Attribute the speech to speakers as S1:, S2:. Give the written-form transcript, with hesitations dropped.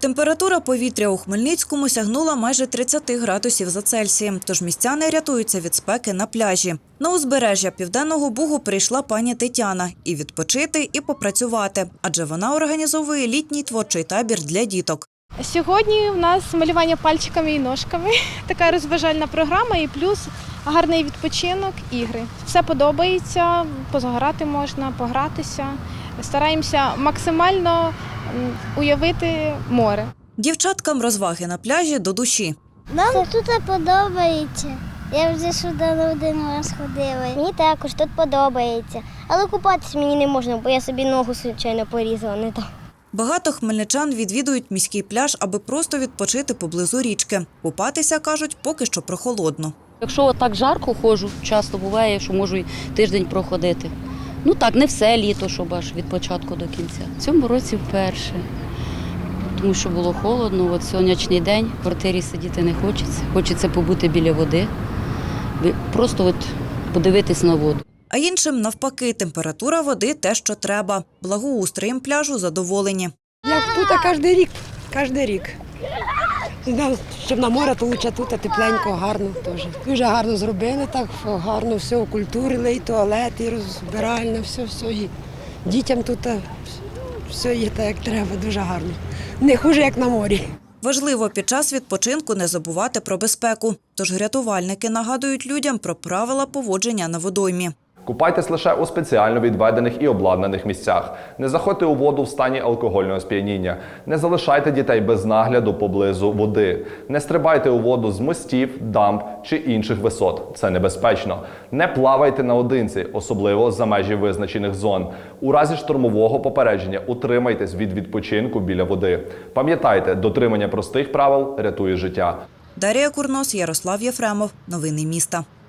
S1: Температура повітря у Хмельницькому сягнула майже 30 градусів за Цельсієм, тож містяни рятуються від спеки на пляжі. На узбережжя Південного Бугу прийшла пані Тетяна і відпочити, і попрацювати, адже вона організовує літній творчий табір для діток.
S2: Сьогодні у нас малювання пальчиками і ножками, така розважальна програма і плюс гарний відпочинок, ігри. Все подобається, позагорати можна, погратися. Стараємося максимально уявити море.
S1: Дівчаткам розваги на пляжі до душі.
S3: Нам тут подобається. Я вже сюди не один раз ходила.
S4: Мені також тут подобається. Але купатися мені не можна, бо я собі ногу, звичайно, порізала не так.
S1: Багато хмельничан відвідують міський пляж, аби просто відпочити поблизу річки. Купатися, кажуть, поки що прохолодно.
S5: Якщо так жарко ходжу, часто буває, що можу і тиждень проходити. Ну так, не все літо, щоб аж від початку до кінця. В цьому році вперше, тому що було холодно. От сонячний день, в квартирі сидіти не хочеться. Хочеться побути біля води, просто от подивитись на воду.
S1: А іншим навпаки, температура води – те, що треба. Благоустроєм пляжу задоволені.
S6: Як тут кожен рік. Щоб на море, то лучше тут, тепленько, гарно теж. Дуже гарно зробили, так гарно все окультурили, і туалет, і розбиральне, все. І дітям тут все є так, як треба, дуже гарно. Не хуже, як на морі.
S1: Важливо під час відпочинку не забувати про безпеку. Тож рятувальники нагадують людям про правила поводження на водоймі.
S7: Купайтесь лише у спеціально відведених і обладнаних місцях. Не заходьте у воду в стані алкогольного сп'яніння. Не залишайте дітей без нагляду поблизу води. Не стрибайте у воду з мостів, дамб чи інших висот. Це небезпечно. Не плавайте наодинці, особливо за межі визначених зон. У разі штормового попередження утримайтесь від відпочинку біля води. Пам'ятайте, дотримання простих правил рятує життя.
S1: Дар'я Курнос, Ярослав Єфремов. Новини міста.